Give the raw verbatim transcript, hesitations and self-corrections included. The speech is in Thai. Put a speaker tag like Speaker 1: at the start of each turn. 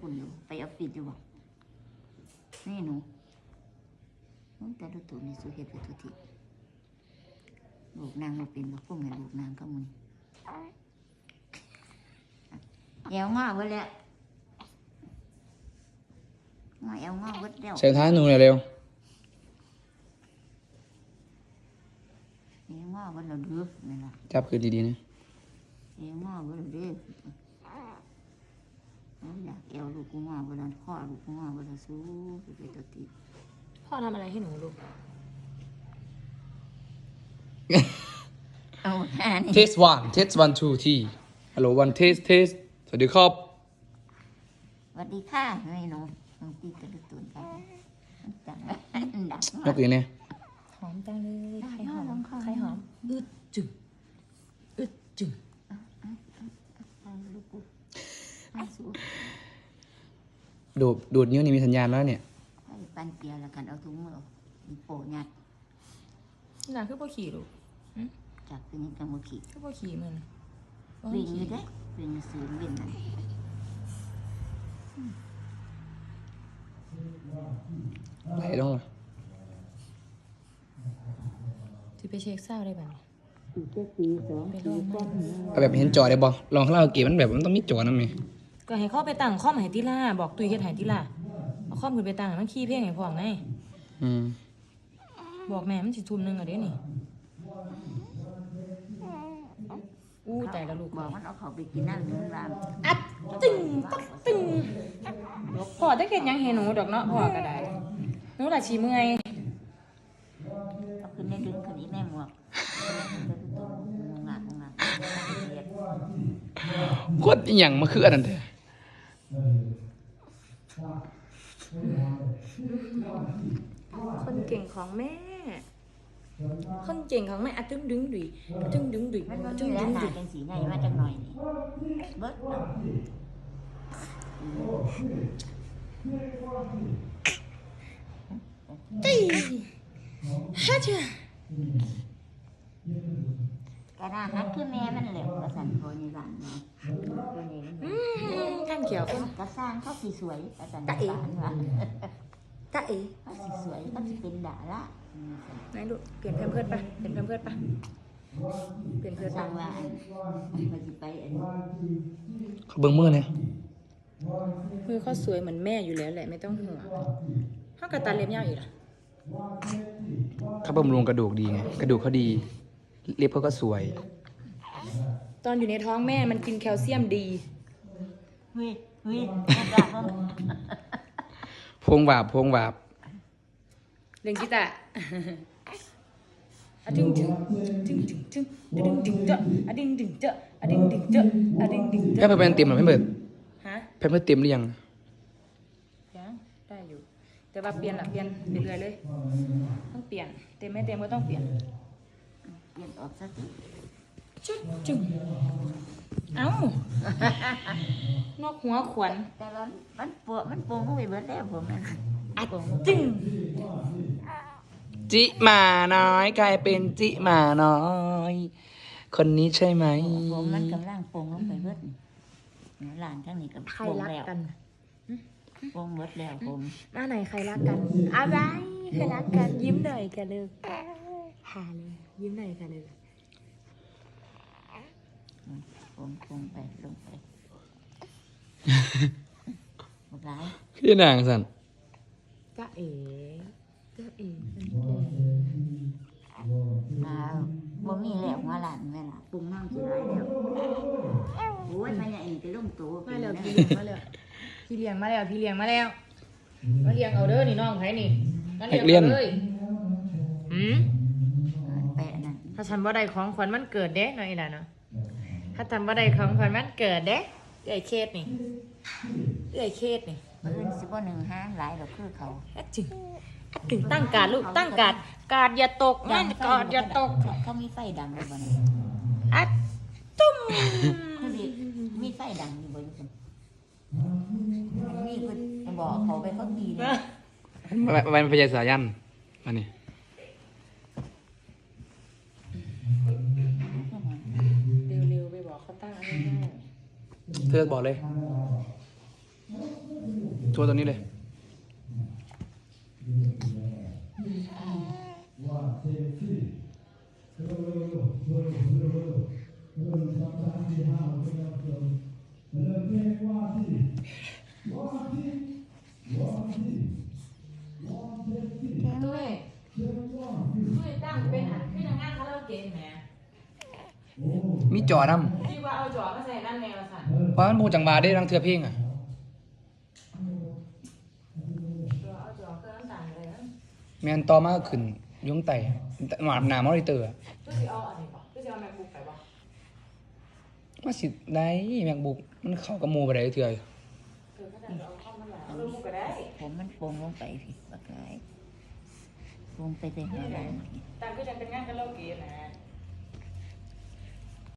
Speaker 1: ปุ่นอยู่ไปออฟฟิศอยู่บ่นี่หนูแต่ดูตัวนี้สุเฮ็ดไปทุกทีลูกนางเราเป็นกับพวกแม่ลูกนางก็มึงแอวงอไว้แล้วงอแอวงอไว้แล้ว
Speaker 2: ใส่ท้ายหนูหน่อยเร็ว
Speaker 1: แอวงอไว้แล้วเด้อนี่ล่ะ
Speaker 2: จับคือดีๆนะ
Speaker 1: แอวงอไว้แล้วเด้ออยากแอวลูกกูงอไว้แล้วพ่อลูกกูงอไว้แล้วสู้ไปไปตัวที
Speaker 3: พ่อทำอะไรให้หนูลูก
Speaker 1: เอาแค่นี้
Speaker 2: test one test one two ที่ hello one test test สวัสดีครับ
Speaker 1: สวัสดีค่ะไม่หนูน้องตีกระดูกตุ่นไปจังดัง
Speaker 2: ยกอย่างนี้
Speaker 3: หอมจังเลยใครหอมใครหอมอึดจึงอึดจึง
Speaker 1: ลูกกูสู้
Speaker 2: ดูดดูดนิ้วนี่มีสัญญาณแล้วเนี่ย
Speaker 1: ปันเกียร์แล้วกันเอาถุงมือมีโปะยัด
Speaker 3: น่าคือพ่อขี่ลูก
Speaker 1: จากเป็นยังกังวขี่
Speaker 3: คือพ่อขี่มัน
Speaker 1: วิ่งอยู่ได้วิ่งซื้อวิ่งนั่น
Speaker 2: ไหลลงเลย
Speaker 3: ที่ไปเช็คเศร้าได้บ้าง
Speaker 1: ตีเจ็ดตีสองตีก้อน
Speaker 2: เอาแบบเห็นจอได้บ่ลองข้างล่างเก็บมันแบบมันต้องมีจอนะมั้ย
Speaker 3: ก็ให้เข้าไปตั้งข้อมให้ติล่าบอกตุยเฮ็ดให้ติล่าเอาข้อมขึ้นไปตั้งมันขี้เพ่งให้พ่อไง
Speaker 2: อืม
Speaker 3: บอกแม่มันสิทุ่มนึงอ่ะเด้นี่อู้แต่ละลูก
Speaker 1: บอกมันเอาเขาไปกินน้ำหนึ่งราม
Speaker 3: อัดตึงตักตึงพ่อจะเฮ็ดยังให้หนูดอกเนาะพ่อก็ได้หนูล่ะสิเมื่อย
Speaker 1: เอาขึ้นในดึงขึ้นอีกในหมวกงากงาก
Speaker 2: โคตรอีหยังมาคืออันนั้นแท้
Speaker 3: คนเก่งของแม่คนเก่งของแม่อะตึ้งดึงดุยอะตึ้งดึงดุย
Speaker 1: มัน
Speaker 3: อะ
Speaker 1: ตึ้งดึงดุยจังสีไงมาจังหน่อยนี่เบิด
Speaker 3: ตีฮัจ
Speaker 1: กระดาษฮักคือแม่มันเหลวกระสันโพนี่หลานเนาะตัวนี้
Speaker 3: อืมท่านเขียว
Speaker 1: กระสร้างเขาสีสวยกระสันหลานว่ะ
Speaker 3: ตาเอ๋
Speaker 1: เขาสีสวยเขาสีเป็นด่าละ
Speaker 3: ไหนลูกเปลี่ยนแพมเพิร์ดปะเปลี่ยนแพมเพิร์ดปะเปลี่ยนเพิร์ด
Speaker 1: สั่งว่ามันจะไปอัน
Speaker 2: เขาเบิ่งมือเนี่ย
Speaker 3: มือเขาสวยเหมือนแม่อยู่แล้วแหละไม่ต้องห่วงเขากระตันเล็บยาวอีกล่ะ
Speaker 2: เขาบำรุงกระดูกดีไงกระดูกเขาดีเล็บเขาก็สวย
Speaker 3: ตอนอยู่ในท้องแม่มันกินแคลเซียมดี
Speaker 1: เฮ้ยเฮ้ย
Speaker 2: พวงหวาบพวงหวาบ
Speaker 3: เล่นกีตาร์อะดึงดึงดึงดึงดึงดึงดึงเจาะอะดึงดึงเจาะอะดึงดึงเจาะอะดึงดึงเจาะ
Speaker 2: แพ่เพิ่นเต็มหรือไม่เบิด
Speaker 3: ฮะ
Speaker 2: แพ่เพิ่นเต็มหรือยัง
Speaker 3: ยังได้อยู่แต่ว่าเปลี่ยนละเปลี่ยนเรื่อยๆเลยต้องเปลี่ยนเต็มไม่เต็มก็ต้องเปลี่ยน
Speaker 1: เปลี่ยนออกสักที
Speaker 3: จุ๊จุ๊เอ้านกหัวขวัญ
Speaker 1: แต่ละมันปวดมันปวงเข้าไปเบิดแล้วผมมัน
Speaker 3: อัดจึง
Speaker 2: จิหมาน้อยกลายเป็นจิหมาน้อยคนนี้ใช่ไหม
Speaker 1: ผมมันกำลังปวงลงไปเบิดหลานทั้งนี้กับ
Speaker 3: ใครรักกัน
Speaker 1: ปวงเบิดแล้วผม
Speaker 3: มาไหนใครรักกันอะไรใครรักกันยิ้มหน่อยกันเลยหาเลยยิ้มหน่อยกันเลย
Speaker 1: ผมปวงไปลงไปหมดแล้ว
Speaker 2: พี่นางสัน
Speaker 3: จ้าเอ๋จ้าเอ๋
Speaker 1: มาบ่มีแล้วมาหลานแม่ล่ะปรุงน้ำสิหลายแล้วโอ้ยมันใหญ่จะลงโต
Speaker 3: มาแล้วพี่เลี้ยงมาแล้วพี่เลี้ยงมาแล้วพี่เลี้ยงมาแล้วมาเลี้ยงเอาเด้อนี่น้องไผนี่มาเลี้ยงเลยหืม
Speaker 1: แปะนั่น
Speaker 3: ถ้าฉันว่าได้ของขวัญมันเกิดเด้หน่อยล่ะเนาะถ้าทำว่าได้ของขวัญมันเกิดเด้เอ้ยเคสนี่เอ้ยเคสนี่
Speaker 1: เอิ้นสิบ่หนึ่งห้าหลายดอกคือเขา
Speaker 3: จริงถึงตั้งการลูกตั้งการการอย่าตกนั่นกอดอย่าตก
Speaker 1: เขามีไฟดังเลยบ่เนี่ย
Speaker 3: อัดตุ้ม
Speaker 1: มีไฟดังอยู่บ่อยู่นี่ก็บอกเขาไปเขาตีเลย
Speaker 2: วันพญาสายันมานี่
Speaker 3: เร็วๆไปบอกเขาตั้งอะไรง่าย
Speaker 2: เธอบอกเลยทัวร์ตัวนี้เลย
Speaker 3: ด้วยด้วยตั้งเป็นอันที่ทำงานคาราโอเกะแหม
Speaker 2: มีจอนํ
Speaker 3: ที่ว่าเอาจอมาใส่นั่นแนวสั่น
Speaker 2: ว่ามันบูจังบาได้ทั้งเทือเพลงอ่ะ
Speaker 3: จอเอาจอเครื่องสั่นเลยนะ
Speaker 2: แมนต่อมาก็ขึ้นยงไต่หมาหนามอนิเตอร์อะ
Speaker 3: ก็สิเอาอันนี้ป่ะก็สิเอา MacBook ไปป่ะ
Speaker 2: มาสิได้แมกบุกมันเข้ากับหมูไปได้เทื่อ
Speaker 3: เออก็จะเอาเข้ามาหลายเอาลูกก็ได้
Speaker 1: ผมมันโป่งลงไปพี่ปากกายโป่งไปแต่หัวหลังพี่
Speaker 3: ตามก็จะเป็นงานคาราโอเกะนะ